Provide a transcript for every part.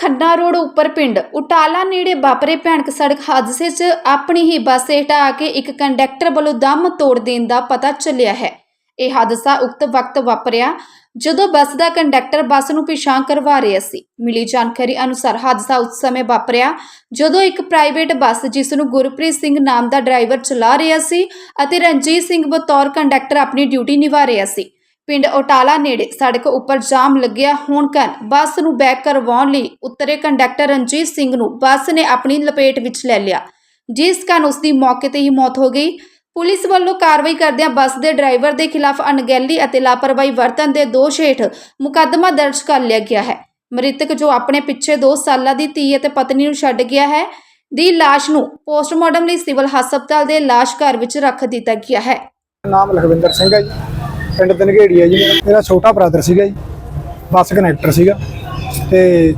Khanna road उपर पिंड उटाला नेड़े वापरे भयानक सड़क हादसे च अपनी ही बस हेठ आके एक कंडक्टर वालों दम तोड़ देने का पता चलिया है। यह हादसा उक्त वक्त वापरिया जदों बस का कंडक्टर बस नूं पिछां करवा रहा सी। मिली जानकारी अनुसार हादसा उस समय वापरिया जदों एक प्राइवेट बस जिस नूं गुरप्रीत सिंह नाम का ड्राइवर चला रहा सी अते रणजीत सिंह बतौर कंडक्टर अपनी ड्यूटी निभा रहा सी। पिंड उटाला नेड़े सड़क उपर जाम लग्या होण कारण बस नूं बैक करवाउण लई उतरे कंडक्टर रणजीत सिंह नूं बस ने अपनी लपेट विच ले लिया, जिस कारण उसकी मौके ते ही मौत हो गई। पुलिस वालों कार्रवाई करदिआं बस के ड्राइवर के खिलाफ अणगहली और लापरवाही वरतन के दोष हेठ मुकदमा दर्ज कर लिया गया है। मृतक जो अपने पिछे 2 साल की धी और पत्नी नूं छड्ड गया है दी लाश नूं पोस्टमार्टम लई सिविल हस्पताल के लाश घर विच रख दिता गया है। नाम लखविंदर सिंह है जी, पिंड धनगेड़ी है जी। मेरा छोटा ब्रदर सीगा जी, बस कनैक्टर सीगा ते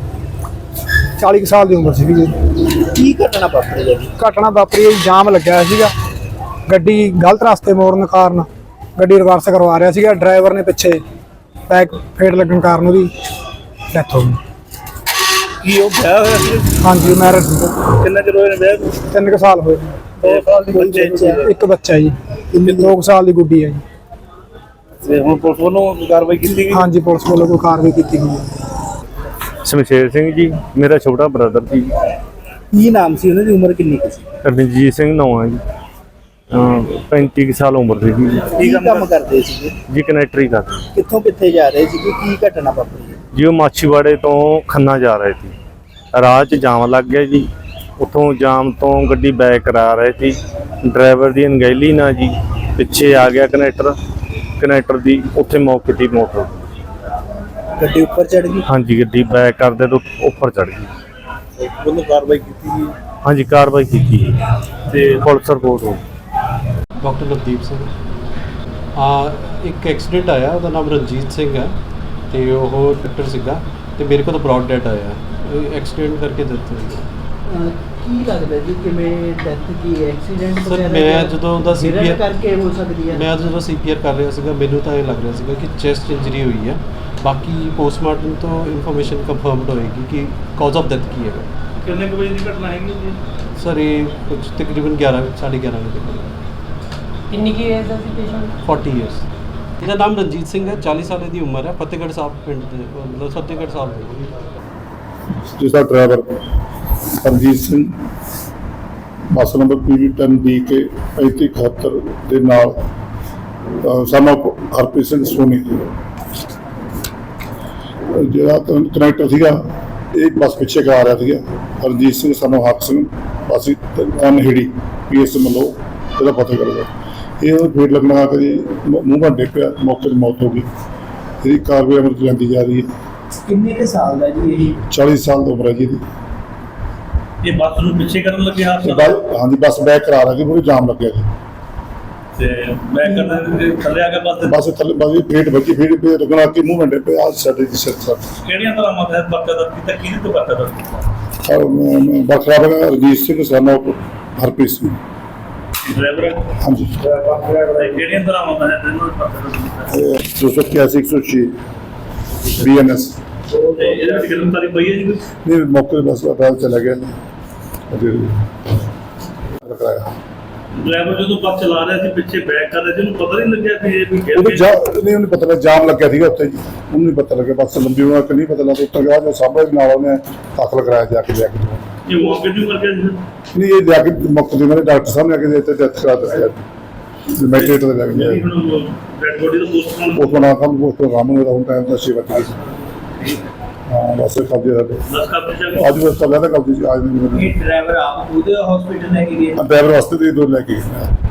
40 साल की उम्र सीगी जी। की घटना वापरी है जी? घटना वापरी है जी, जाम लग्या सीगा, गड्डी गलत रास्ते मोड़न कारण गड्डी रिवर्स करवा रहा सीगा, ड्राइवर ने पिछे बैक फेट लगन कारण उसदी डेथ हो गई। की वो ब्याह होया सी? हाँ जी, मैरिज सीगा। कितना चिर होया ब्याह? 3 साल होए। 2 साल दी बच्चे एक बच्चा जी, 2 साल की गुड्डी है जी। ਤੇ ਹੁਣ ਪੁਲਿਸ ਵੱਲੋਂ ਕਾਰਵਾਈ ਕੀਤੀ ਗਈ? हाँ जी, पुलिस वालों को कार्रवाई की गई है। शमशेर सिंह जी मेरा छोटा ब्रदर जी। ਕੀ ਨਾਮ ਸੀ ਉਹਨਾਂ ਦੀ? ਉਮਰ ਕਿੰਨੀ ਕੁ ਸੀ? ਰਣਜੀਤ ਸਿੰਘ ਨਾਂ ਹੈ ਜੀ। 35 ਸਾਲ ਉਮਰ ਸੀ ਜੀ। ਕੀ ਕੰਮ ਕਰਦੇ ਸੀਗੇ ਜੀ ਕਨੈਕਟਰੀ ਕਰਦੇ ਕਿੱਥੋਂ ਕਿੱਥੇ ਜਾ ਰਹੇ ਸੀਗੇ? ਕੀ ਘਟਨਾ ਵਾਪਰੀ ਹੈ? ਜੀ। ਉਹ ਮਾਛੀਵਾੜੇ ਤੋਂ ਖੰਨਾ ਜਾ ਰਹੇ ਸੀ, ਰਾਹ 'ਚ ਜਾਮ ਲੱਗ ਗਿਆ ਜੀ। ਉੱਥੋਂ ਜਾਮ ਤੋਂ ਗੱਡੀ ਬੈਕ ਕਰਾ ਰਹੇ ਸੀ, ਡਰਾਈਵਰ ਦੀ ਅਣਗਹਿਲੀ ਨਾਲ ਜੀ ਪਿੱਛੇ ਆ ਗਿਆ ਕਨੈਕਟਰ ਦੀ ਉੱਥੇ ਮੌਕੇ ਤੇ ਮੌਤ ਹੋ ਗਈ। ਗੱਡੀ ਉੱਪਰ ਚੜ ਗਈ? ਹਾਂਜੀ, ਗੱਡੀ ਬੈਕ ਕਰਦੇ ਤੋਂ ਉੱਪਰ ਚੜ ਗਈ। ਉਹਨੂੰ ਕਾਰਵਾਈ ਕੀਤੀ ਗਈ? ਹਾਂਜੀ, ਕਾਰਵਾਈ ਕੀਤੀ ਜੀ ਤੇ ਪੁਲਿਸ ਰਿਪੋਰਟ ਹੋ ਗਈ। डॉक्टर नवदीप सिंह एक एक्सीडेंट आया, ਉਹਦਾ ਨਾਮ ਰਣਜੀਤ ਸਿੰਘ ਹੈ ਤੇ ਉਹ ਡਾਕਟਰ ਸੀਗਾ ਤੇ ਮੇਰੇ ਕੋਲ ਬ੍ਰੌਡ ਡੈਟ ਆਇਆ, ਐਕਸੀਡੈਂਟ ਕਰਕੇ ਡੈਥ ਹੋਈ। ਕੀ ਲੱਗਦਾ ਜੀ ਕਿਵੇਂ ਡੈਥ ਕੀ ਐਕਸੀਡੈਂਟ ਸਰ ਮੈਂ ਜਦੋਂ ਉਹਦਾ ਸੀਪੀਆਰ ਕਰਕੇ ਹੋ ਸਕਦੀ ਹੈ? ਮੈਂ ਜਦੋਂ ਸੀਪੀਆਰ ਕਰ ਰਿਹਾ ਸੀਗਾ ਮੈਨੂੰ ਤਾਂ ਇਹ ਲੱਗ ਰਿਹਾ ਸੀਗਾ ਕਿ ਚੈਸਟ ਇੰਜਰੀ ਹੋਈ ਹੈ। ਬਾਕੀ ਪੋਸਟਮਾਰਟਮ ਤੋਂ ਇਨਫੋਰਮੇਸ਼ਨ ਕੰਫਰਮਡ ਹੋਏਗੀ ਕਿ ਕਾਜ਼ ਆਫ ਡੈਥ ਕੀ ਹੈਗਾ। ਕਿੰਨੇ ਕੁ ਵਜੇ ਦੀ ਘਟਨਾ ਹੈਗੀ ਜੀ? ਸਰ ਇਹ ਕੁਝ ਤਕਰੀਬਨ 11:30 ਵਜੇ। ਕਿੰਨੀ ਕੀ ਏਜ ਦਾ ਸੀ ਪੇਸ਼ੈਂਟ? 40 ਇਅਰਸ। ਇਹਦਾ ਨਾਮ ਰਣਜੀਤ ਸਿੰਘ ਹੈ, 40 ਸਾਲ ਦੀ ਉਮਰ ਹੈ, ਫਤਿਹਗੜ੍ਹ ਸਾਹਿਬ ਪਿੰਡ ਦੇ, ਮਤਲਬ ਫਤਿਹਗੜ੍ਹ ਸਾਹਿਬ ਦੇ। ਜਿਸਦਾ driver Ranjit Singh bus number PV10DK 3571 ਦੇ ਨਾਲ ਸਾਨੂੰ ਹਰਪ੍ਰੀਤ ਸਿੰਘ ਸੋਨੀ ਜਿਹੜਾ ਕਨੈਕਟਰ ਸੀਗਾ, ਇਹ ਬੱਸ ਪਿੱਛੇ ਕਰਾ ਰਿਹਾ ਸੀਗਾ। ਰਣਜੀਤ ਸਿੰਘ ਸਾਨੂੰ ਹੱਕ ਸਿੰਘ ਬੱਸ ਅਨਹੇੜੀ PS ਮਲੋ ਇਹਦਾ ਪਤਾ ਕਰਦਾ, ਇਹ ਫੇਟ ਲੱਗਣਾ ਕਿ ਮੂੰਹ ਘੰਟੇ ਪਿਆ, ਮੌਕੇ ਤੇ ਮੌਤ ਹੋ ਗਈ। ਇਹਦੀ ਕਾਰਵਾਈ ਅਮਲ 'ਚ ਲਿਆਂਦੀ ਜਾ ਰਹੀ ਹੈ। ਕਿੰਨੇ ਕੁ ਸਾਲ ਦਾ ਜੀ ਇਹ? 40 ਸਾਲ ਦੀ ਉਮਰ ਹੈ ਜੀ ਇਹਦੀ। ਇਹ ਬੱਸ ਨੂੰ ਪਿੱਛੇ ਕਰਨ ਲੱਗੇ ਹਾਂਜੀ, ਬੱਸ ਬੈਕ ਕਰਾ ਰਹੀ ਸੀ, ਪੂਰੀ ਜਾਮ ਲੱਗਿਆ ਜੀ ਤੇ ਬੈਕ ਕਰਨ ਦੇ ਥੱਲੇ ਆ ਕੇ ਬੱਸ ਥੱਲੇ ਬੱਸ ਫੇਟ ਵੱਜੀ, ਫੇਟ ਪੇ ਲੱਗਣਾ ਕਿ ਮੂੰਹ ਘੰਟੇ ਪਿਆ ਸਾਡੇ ਦੀ ਸਿਰ ਸਰ। ਕਿਹੜੀਆਂ ਤਰ੍ਹਾਂ ਮਤ ਹੈ ਬੱਕਾ ਦਾ ਕੀਤਾ? ਕਿਹਦੇ ਤੋਂ ਬੱਕਾ ਦਾ? ਬਖਰਾ ਬਗਾ ਰਣਜੀਤ ਸਿੰਘ ਸਾਨੂੰ ਹਰਪ੍ਰੀਤ ਸਿੰਘ ਡਰਾਈਵਰ? ਹਾਂਜੀ। ਕਿਹੜੀਆਂ ਤਰ੍ਹਾਂ ਮਤ ਹੈ ਤੈਨੂੰ ਬੱਕਾ ਦਾ? 281 106 BNS ਤੇ ਇਹਦੇ ਵਿੱਚ ਗ੍ਰਿਫਤਾਰੀ ਪਈ ਹੈ ਜੀ ਕੋਈ? ਨਹੀਂ, ਮੌਕੇ ਤੇ ਬੱਸ ਅਦਾਲਤ ਚਲਾ ਗਿਆ ਰਖਾਇਆ। ਡਰਾਈਵਰ ਜਦੋਂ ਬੱਸ ਚਲਾ ਰਿਹਾ ਸੀ ਪਿੱਛੇ ਬੈਕ ਕਰ ਰਿਹਾ ਸੀ, ਉਹਨੂੰ ਪਤਾ ਨਹੀਂ ਲੱਗਿਆ ਕਿ ਇਹ ਵੀ ਗਿਰ ਉਹਨੂੰ ਗਿਆ? ਨਹੀਂ, ਉਹਨੂੰ ਪਤਾ ਲੱਗਾ ਜਾਮ ਲੱਗਿਆ ਸੀਗਾ ਉੱਥੇ ਜੀ, ਉਹਨੂੰ ਨਹੀਂ ਪਤਾ ਲੱਗਿਆ। ਬੱਸ ਲੰਬੀ ਹੋਣਾ ਕਿ ਨਹੀਂ ਪਤਾ ਲੱਗਾ, ਉੱਤਰ ਗਿਆ ਜੋ ਸਾਹਮਣੇ ਨਾਲ ਉਹਨੇ ਦਾਖਲ ਕਰਾਇਆ ਜਾ ਕੇ ਇਹ ਮੌਕੇ ਤੇ ਮਰ ਗਿਆ ਜੀ? ਨਹੀਂ, ਇਹ ਜਾ ਕੇ ਮੁੱਕ ਦੇ ਮੇਰੇ ਡਾਕਟਰ ਸਾਹਿਬ ਨੇ ਆ ਕੇ ਡੈਥ ਕਰਾ ਦਿੱਤੀ ਮੈਟਰੇਟ ਦੇ ਲੱਗ ਗਿਆ। ਡੈਡ ਬੋਡੀ ਦਾ ਪੋਸਟਮਾਰਟਮ ਉਸ ਬਣਾ ਕੰਮ ਉਸ ਪ੍ਰੋਗਰਾਮ ਨੂੰ ਹੁਣ ਟਾਈਮ ਦਾ ਸੇਵਾ ਕੀਤੀ। ਹਾਂ, ਬਸ ਕਬਜ਼ੇ ਦਾ ਦਸ ਕਰ ਦਿੱਤਾ। ਅੱਜ ਬਸ ਚੱਲਿਆ ਤਾਂ ਕਬਜ਼ੇ ਅੱਜ ਨਹੀਂ। ਡਰਾਈਵਰ ਆਪ ਉਹਦੇ ਹਸਪੀਟਲ ਲੈ ਕੇ ਗਏ? ਡਰਾਈਵਰ ਵਾਸਤੇ ਦੇ ਦੋ ਲੈ ਕੇ